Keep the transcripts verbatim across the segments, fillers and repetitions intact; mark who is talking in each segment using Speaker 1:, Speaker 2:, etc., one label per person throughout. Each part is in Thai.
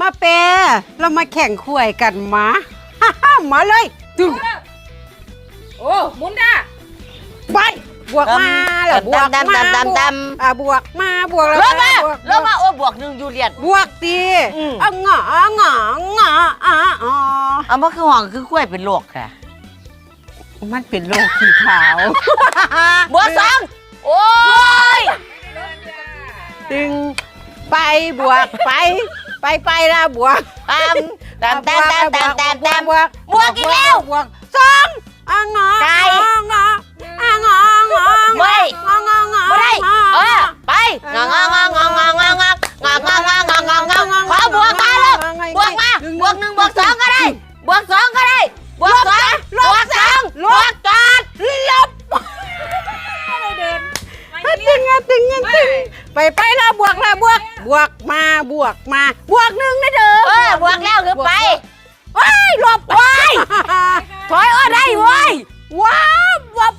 Speaker 1: มาเปเรามาแข่งขวยกันมามาเลยตึง
Speaker 2: โอ้มุนด้า
Speaker 1: ไปบวกมาแล้วบวกมาอ่าบวกมาบวกแล้ว
Speaker 3: มาแล้วมาโอ้บวกหนึ่งยูเรียน
Speaker 1: บวกตีอ่ะงององออ่ะอ๋อ
Speaker 3: เอามาคือห่องคือคุ้ยเป็นโรคค่ะ
Speaker 1: มันเป็นโรคขี้ขาว
Speaker 3: บวกสองโอ้ย
Speaker 1: ตึงไปบวกไปไปไปละบวก
Speaker 3: ตามตามตามตามตามตามตาม
Speaker 1: บวก
Speaker 3: บวกอีกแล้ว
Speaker 1: บวกสองอ่ะงอไก่งออ่ะงองอ
Speaker 3: ไม่
Speaker 1: งององอ
Speaker 3: ไม่ได้เออไปงององององององององององององององขอบวกมาลูกบวกมาบวกหนึ่งบวกสองก็ได้บวกสองก็ได้บวกสองบวกสองบวกจอดลบ
Speaker 2: เดิน
Speaker 1: ตึงตึงตึงไปไปแล้วบวกแล้วบวกบวกมาบวกมาบวกหนึ่งนะเด้อ
Speaker 3: เออบวกแล้วคือไป
Speaker 1: ว้ายหลบว้าย
Speaker 3: ถอยอ้อได้เว้ย
Speaker 1: ว้าววับ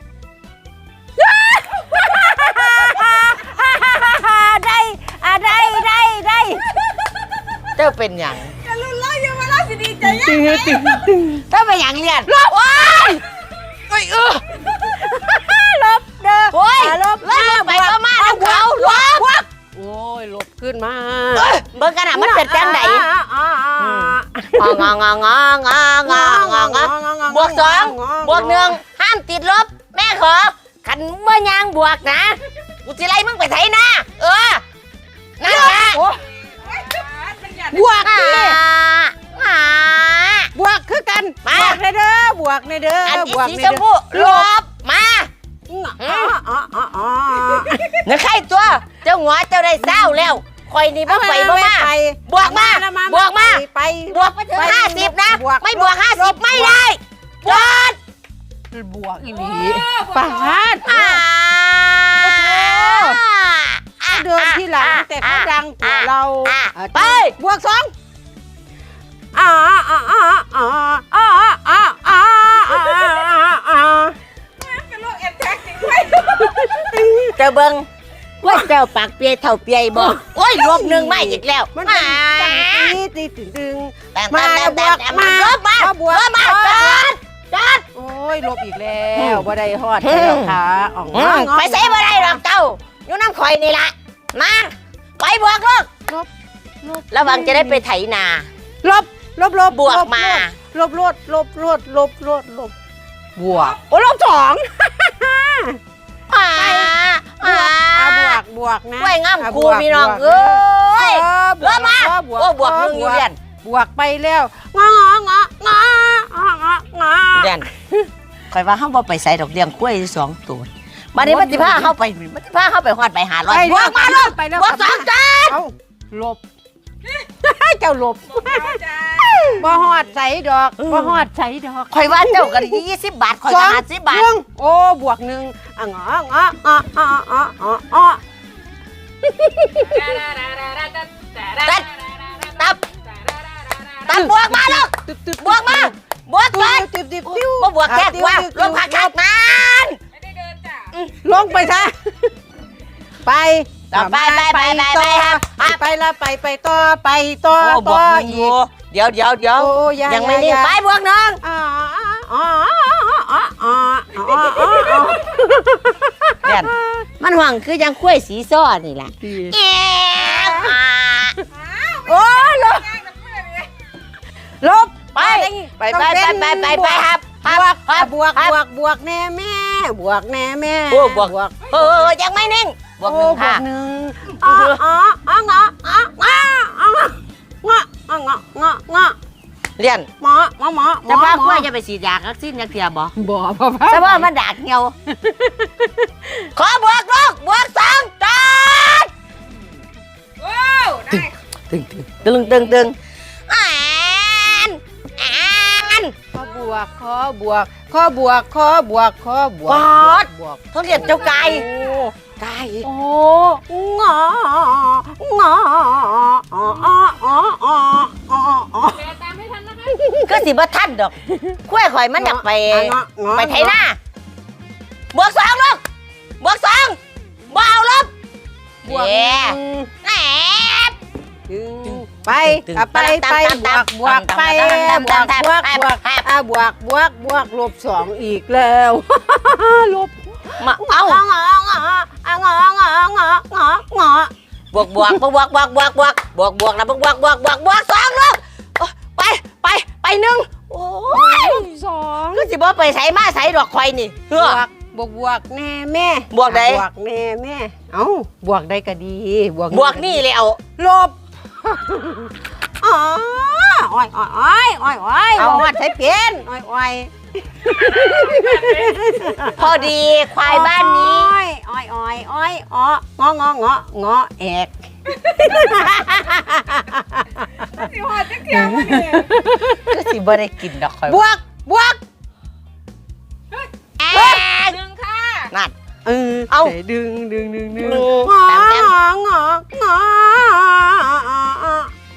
Speaker 1: ได้อะได้ได้ได้
Speaker 3: เจ้าเป็นอย่าง
Speaker 2: จะลุ้นเล่าอยู่มาเล่าสิดีใจยังไง
Speaker 3: เจ้าเป็นอย่างเรียน
Speaker 1: ลบว้าย
Speaker 3: เอ้ยเออ
Speaker 1: ลบเด้อ
Speaker 3: โอ้ยลบลบไปก็มาแล้วเขาลบ
Speaker 1: โอ้ยลบขึ้นมา
Speaker 3: เบิ่งกันอ่ะมันเป็นจังไหนงองององององององบวกสองบวกหนึ่งห้ามติดลบแม่ขอขันเมื่อยางบวกนะกูจะไล่มึงไปไถนะเออนั่นแหละ
Speaker 1: บวกนี่บวกคือกันบวกในเด้อบวกในเด้อบวกในเด้อ
Speaker 3: ลบมาเนื้อไข่ตัวเจ้าหัวเจ้าได้เศร้าแล้วคอยนี่บ่ไปบ่มาบวกมาบวกมา
Speaker 1: ไป
Speaker 3: บวกไปถึงห้าสิบนะไม่บวกห้าสิบไม่ได้จอด
Speaker 1: บวกอีหลีปาดเดินที่หลังแต่เขาดังกว่าเรา
Speaker 3: ไป
Speaker 1: บวกสองอ่าอ่าอ่าอ่าอ่าอ่าอ่าอ่า
Speaker 2: เป็นโรคแอนแท็กจริงไหม
Speaker 3: เจ้าเบิ้งว่าเจ้าปากเปียเท่าเปียบอกโอ้ยรวมหนึ่งไม่อีกแล้ว
Speaker 1: มันตีตีตึงตึง
Speaker 3: มาบวกมาลบมาบวกมาจอดจอด
Speaker 1: โอ้ยลบอีกแล้วบ่ได้ฮอดแล้วค่ะอ๋อ
Speaker 3: ไปใส่บ่ได้หรอกเจ้าอยู่น้ำข่อยนี่ละมาไปบวกลูก
Speaker 1: ลบลบ
Speaker 3: ระวังจะได้ไปไถนา
Speaker 1: ลบลบลบบ
Speaker 3: วกมา
Speaker 1: ลบลบลบลบลบลบลบบวกโอ้ลบสอง
Speaker 3: อ่า
Speaker 1: อ่าบวกบวกนะ
Speaker 3: กล้วยงามครูพี่น้องเอ้ยบวกมาโอ้บวกหนึ่งอยู่เรียน
Speaker 1: บวกไปแล้วงององององอ
Speaker 3: เรียนคอยว่าเขาบ่ไปใส่ดอกเลี้ยงกล้วยสองตัวมาดิมันสิพาเข้าไปมันสิพาเข้าไปฮอดไปหาร้อยบวกมาลูกบวกสองจาน
Speaker 1: เอาลบเจ้าลบบ่ฮอดใส่ดอกบ่ฮอดใส่ดอก
Speaker 3: คอยว่าเจ้ากันยี่สิบบาทคอยจะห้าสิบบาท
Speaker 1: โอ้บวกหนึ่งอ่ะงองอออออออ
Speaker 3: ตัดตับตับบวกมาลูกบวกมาบวกไปบ่บวกแค่ว่าลงผักขาดมัน
Speaker 2: ไม่ได้เดินจ้ะ
Speaker 1: ลงไปซะไป
Speaker 3: ไปไปไปไปไปครับ
Speaker 1: ไปละไปไปต่อไปต่อ
Speaker 3: ต่ออีกเดี๋ยวเดี๋ยวเดี๋ยวยังไม่นิ่งไปบวกหนึ่งเนี่ยมันหวังคือยังคุ้ยสีซ้อนี่แหละ
Speaker 1: โอ้ลบลบ
Speaker 3: ไปไปไปไปไปไปครับ
Speaker 1: บวกบวกบวกบวกแน่แม่บวกแน่แม่
Speaker 3: โอ้บวกเออยังไม่นิ่งบวกหนึ่งค่ะ
Speaker 1: หนึ่งอ๋ออ๋ออ๋องออ๋องออ๋องององององอ
Speaker 3: เรียน
Speaker 1: หมอหมอหมอ
Speaker 3: จะพาคุ้ยจะไปฉีดยาวัคซีนยักษ์เทียบ่
Speaker 1: บ่พ่อพ่อ
Speaker 3: จะว่ามันดาดเหี่ยวขอบวกลูกบวกสองจอด
Speaker 2: โอ้ได้
Speaker 3: ตึงตึงตึงตึงอ่านอ่าน
Speaker 1: ขอบวกขอบวกขอบวกขอบวกขอบวก
Speaker 3: บวกเขาเรียกเจ้าไก่ไก่
Speaker 1: โอ้งองออ๋ออ๋ออ๋ออ๋ออ๋อ
Speaker 2: ตามไม่ทันนะคะ
Speaker 3: ก็สิบ่ทันดอกคุ้ยข่อยมันอยากไปไปไถนาบวกสองลูกบวกสองบ่เอาลบบวกแหม
Speaker 1: ไปไปอ่ะไปไปบวกบวกไปบวกบวกบวกอ่ะบวกบวกบวกลบสองอีกแล้วลบ
Speaker 3: มาเอา
Speaker 1: งององององององอบ
Speaker 3: วกบวกบวกบวกบวกบวกบวกบวกนะบวกบวกบวกบวกบวกสองลูกไปไปไปหนึ่งโอ้ย
Speaker 1: สอง
Speaker 3: คือสิบ่ไปใส่มาใส่ดอกควายนี่
Speaker 1: บ
Speaker 3: เฮ้อ
Speaker 1: วกบวกบวกแน่แม่
Speaker 3: บวกใด
Speaker 1: บวกแน่แม่เอ้าบวกได้ก็ดีบวก
Speaker 3: บวกนี่เลยเอา
Speaker 1: ลบอ๋ออ้อยอ้อยอ้อยอ้อยอ้อยเอาวัดใช้เพี้ยนอ้อยอ้อย
Speaker 3: พอดีควายบ้านนี้
Speaker 1: อ้อยอ้อยอ้อยอ้อยงองององอแอก
Speaker 2: สิหอดจักเที่ยวมาเนี่ย
Speaker 3: ก็สิบ่ได้กินดอกควาย
Speaker 1: บวกบวก
Speaker 3: แอ๊ก
Speaker 2: หนึ่งค่ะ
Speaker 3: นั่น
Speaker 1: เออ
Speaker 3: เอา
Speaker 1: ดึงดึงดึงดึง
Speaker 3: อืม
Speaker 1: งอ
Speaker 3: แต้มแต้ม
Speaker 1: งององอ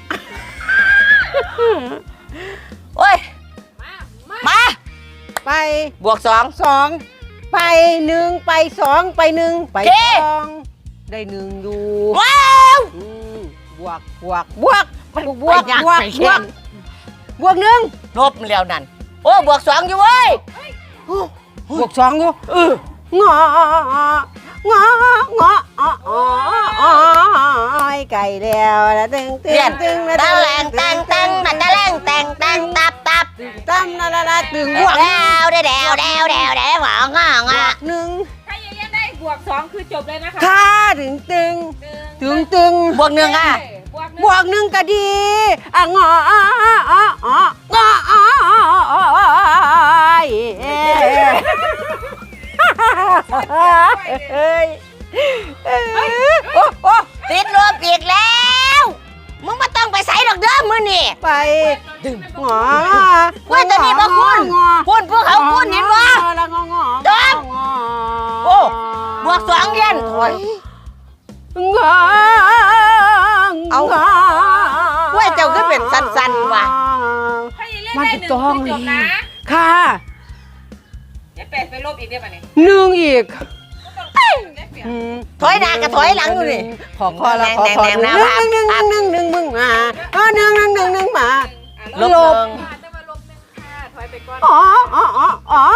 Speaker 3: โอ้ย
Speaker 2: มามา
Speaker 3: มา
Speaker 1: ไป
Speaker 3: บวกสอง
Speaker 1: สองไปหนึ่งไปสองไปหนึ่งไป
Speaker 3: เจ๊
Speaker 1: สองได้หนึ่งอยู่
Speaker 3: ว้าว
Speaker 1: อืมบวกบวกบวกบวกบวก
Speaker 3: ไปยาก
Speaker 1: บวก
Speaker 3: ไป
Speaker 1: บ
Speaker 3: เขี
Speaker 1: วย ก
Speaker 3: น
Speaker 1: บวกหนึ่ง
Speaker 3: ลบแล้วนั่นโอ้บวกสองอยู่เว้ย
Speaker 1: บวกสองอยู่เอองององอออยไก่แล้วละตึงตึ
Speaker 3: เรีย
Speaker 1: ง
Speaker 3: น
Speaker 1: ตึง
Speaker 3: ตะแหลงแตงแตงมาตะแหลงแตงแตงตับตับ
Speaker 1: ตั้มละละละตึงบวก
Speaker 3: แดวแดวแดวแดวแดวแดวหวังอ่ะ
Speaker 1: บว
Speaker 3: อ่ะ
Speaker 1: กหนึ่ง
Speaker 2: ถ้ายังยังได้บวกสองคือจบเลยนะคะ
Speaker 1: ค่าตึงตึง
Speaker 2: หนึ่ง
Speaker 1: ตึงตึง
Speaker 3: บวกหนึ่งอ่ะ
Speaker 2: บวกหนึ่ง
Speaker 1: บวกหนึ่งก็ดีอ่ะงออ่ะอ่ะอ่ะอ่ะงออ่ะอ่ะอ่ะเอ้ยโอ้โอ้
Speaker 3: ติดลบอีกแล้วมึงไม่ต้องไปใส่ดอกเด้อมือนี่
Speaker 1: ไปงอ
Speaker 3: เว้ยตัวนี้บ่คุณคุณพวกเขาคุณเห็นบ่
Speaker 1: แล้วงองอ
Speaker 3: จบ โอ้บวกสองเย็นโอ้ย
Speaker 1: งอ
Speaker 3: เอาเว้ยเจ้าก็เป็นสั้นๆว่ะ
Speaker 2: ถ้ายังเล่นได้หนึ่งคือจบนะ
Speaker 1: ค่ะ
Speaker 2: จะแปดไปลบอีกได้ป่ะเนี่ย
Speaker 1: หนึ่งอีก
Speaker 2: ได้เปรียบ
Speaker 1: อืม
Speaker 3: ถอยหน้ากับถอยหลังอยู่นี่
Speaker 1: ขอขอละขอขอหนึ่งหนึ่งหนึ่งหนึ่งหนึ่งมึงมาอ๋อหนึ่งหนึ่งหนึ่งหนึ่งมา
Speaker 3: ลบ
Speaker 1: ล
Speaker 3: ล
Speaker 1: บ
Speaker 3: ง
Speaker 2: จะมาลบหนึ่งค่ะถอยไปก่อน
Speaker 1: อ๋ออ๋ออ๋ออ๋อ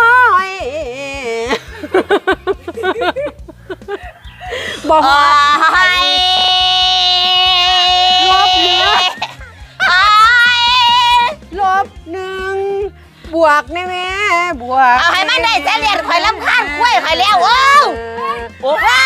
Speaker 1: บอก
Speaker 3: โอ้
Speaker 1: ว่าย ลบเหลือ
Speaker 3: โอ้ย
Speaker 1: ลบหนึ่งบวกแน่แม่บวก
Speaker 3: เอาให้มันได้เสลียดข่อยลำคาญกล้วยข่อยแล้วโอ้วโอ้ว้า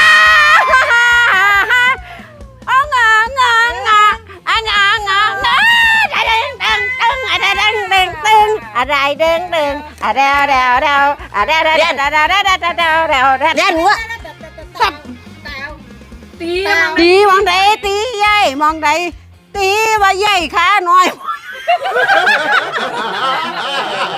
Speaker 1: อ๋องององออ่งององออะไรดึงดึงอะไรดึงดึงดึงอะไรดึงดึงอะไรเดาเดาอะไรเดาเดาเดาเดาเดาเดาเดาเดาเดา
Speaker 3: เรียนหัว
Speaker 1: สับ
Speaker 2: ตี
Speaker 1: ตีมองใดตีใหญ่มองใดตีว่าใหญ่ขาน้อย